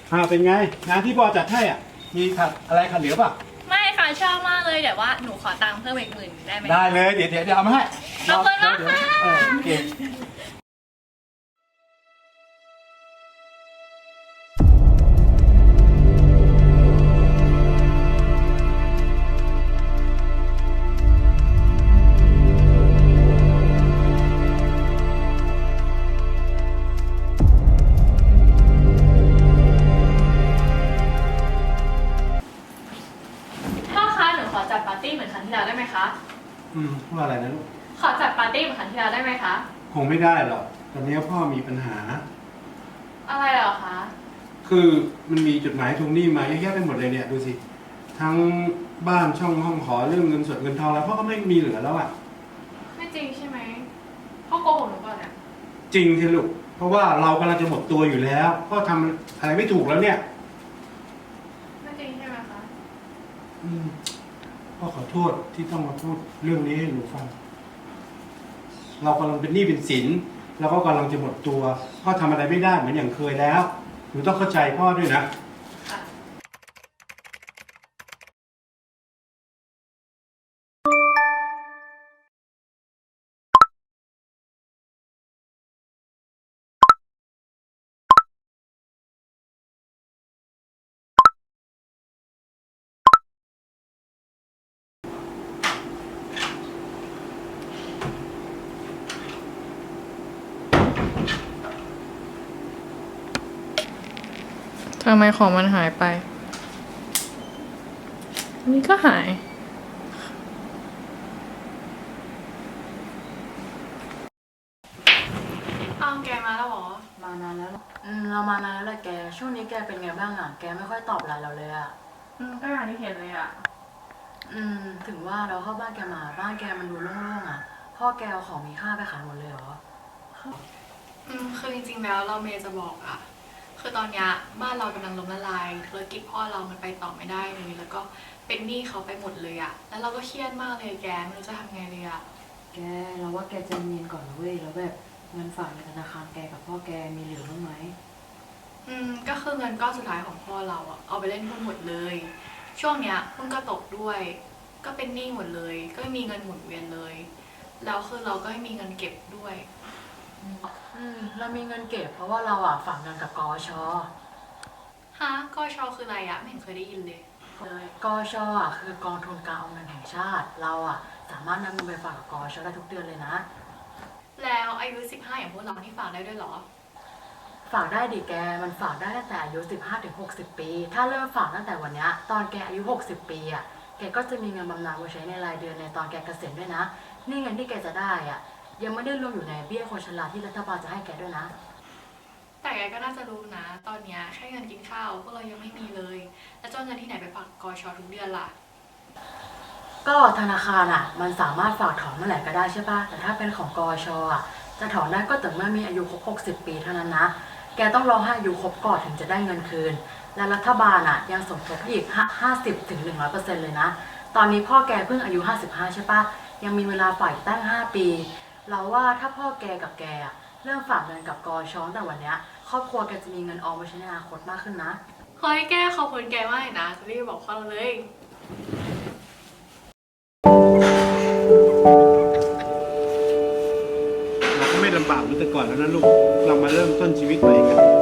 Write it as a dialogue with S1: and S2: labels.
S1: เป็นไงงานที่พ่อจัดให้อ่ะมีอะไรขัดเหลือป่ะ
S2: ไม่ค่ะชอบมากเลยแต่ว่าหนูขอตังค์เพิ่มอีก10,000ได้ไหม
S1: ได้เลยเดี๋ยวเอามาให้
S2: ขอบคุณมากค่ะ
S1: โอเค
S2: พ่อคะหนูขอจัดปาร์ตี้เหมือนครั้งที่แล้วได้ไหมคะ
S1: ว่าอะไรนะลูก
S2: ขอจัดปาร์ตี้เหมือนครั้งที่แล้วได้ไหมคะ
S1: คงไม่ได้หรอกตอนนี้พ่อมีปัญหา
S2: อะไรเหรอคะ
S1: คือมันมีจดหมายทวงหนี้มาเยอะแยะไปหมดเลยเนี่ยดูสิทั้งบ้านช่องห้องขอเรื่องเงินสดเงินทองแล้วพ่อก็ไม่มีเหลือแล้วอ่ะ
S2: ไม่จริงใช่ไหมพ่อโกหกหนูก่อนเนี่ย
S1: จริงสิลูกเพราะว่าเรากำลังจะหมดตัวอยู่แล้วพ่อทำอะไรไม่ถูกแล้วเนี่ย
S2: ไม่จริงใช่ไหมคะ
S1: พ่อขอโทษที่ต้องมาพูดเรื่องนี้ให้หนูฟังเรากำลังเป็นหนี้เป็นสินแล้วก็กำลังจะหมดตัวพ่อทำอะไรไม่ได้เหมือนอย่างเคยแล้วหนูต้องเข้าใจพ่อด้วยนะ
S2: ทำไมของมันหายไปนี่ก็หายเอาแกมาแล้วเหรอ
S3: มานานแล้วเรามานานแล้วแหละแกช่วงนี้แกเป็นไงบ้างอ่ะแกไม่ค่อยตอบไลน์เราเลยอ่ะ
S2: ก็อย่างที่เห็นเลยอ่ะ
S3: ถึงว่าเราเข้าบ้านแกมาบ้านแกมันดูโล่งๆอ่ะพ่อแกเอาของมีค่าไปขายหมดเลยเหรอ
S2: คือจริงๆแล้วเราเมย์จะบอกอ่ะคือตอนนี้บ้านเรากำลังล้มละลายธุรกิจพ่อเรามันไปต่อไม่ได้เลยแล้วก็เป็นหนี้เขาไปหมดเลยอ่ะแล้วเราก็เครียดมากเลยแกไม่รู้จะทำไงเลยอ่ะ
S3: แกเราว่าแกใจเย็นก่อนนะเว้ยแล้วแบบเงินฝากในธนาคารแกกับพ่อแกมีเหลือบ้างไหม
S2: ก็คือเงินก้อนสุดท้ายของพ่อเราอ่ะเอาไปเล่นหุ้นหมดเลยช่วงเนี้ยหุ้นก็ตกด้วยก็เป็นหนี้หมดเลยก็ไม่มีเงินหมุนเวียนเลยแล้วคือเราก็ไม่มีเงินเก็บด้วย
S3: เรามีเงินเก็บเพราะว่าเราอ่ะฝากเงินกับกช.
S2: ฮะกช.คืออะไรอะไม่เห็นเคยได้ยินเลย
S3: กช.อ่ะคือกองทุนการออมเงินแห่งชาติเราอ่ะสามารถนำเงินไปฝากกับกช.ได้ทุกเดือนเลยนะ
S2: แล้วอายุ15อย่างพวกเราที่ฝากได้ด้วยเหรอ
S3: ฝากได้ดิแกมันฝากได้ตั้งแต่อายุ15 ถึง 60 ปีถ้าเริ่มฝากตั้งแต่วันนี้ตอนแกอายุ60 ปีอ่ะแกก็จะมีเงินบำนาญไว้ใช้ในรายเดือนในตอนแกเกษียณด้วยนะนี่เงินที่แกจะได้อ่ะยังไม่ได้รวมอยู่ในเบี้ยคนชราที่รัฐบาลจะให้แกด้วยนะ
S2: แต่แกก็น่าจะรู้นะตอนนี้แค่เงินกินข้าวพวกเรายังไม่มีเลยแล้วจะเอาเงินที่ไหนไปฝากกช.ทุกเดือนล่ะ
S3: ก็ธนาคารอ่ะมันสามารถฝากถอนเมื่อไหร่ก็ได้ใช่ป่ะแต่ถ้าเป็นของกช.อ่ะจะถอนได้ก็ต่อเมื่อมีอายุครบ60 ปีเท่านั้นนะแกต้องรอให้อายุครบก่อนถึงจะได้เงินคืนและรัฐบาลอ่ะยังสมทบอีก50 ถึง 100%เลยนะตอนนี้พ่อแกเพิ่งอายุ55ใช่ปะยังมีเวลาฝากตั้ง5 ปีเราว่าถ้าพ่อแกกับแกเริ่มฝากเงินกับกช.แต่วันนี้ครอบครัวแกจะมีเงินออมไว้ใช้ในอนาคตมากขึ้นนะ
S2: ขอให้แกขอบคุณแกมากเลยนะจะรีบบอกพ่อเราเลย
S1: เราก็ไม่ลำบากเหมือนแต่ก่อนแล้วนะลูกเรามาเริ่มต้นชีวิตใหม่กัน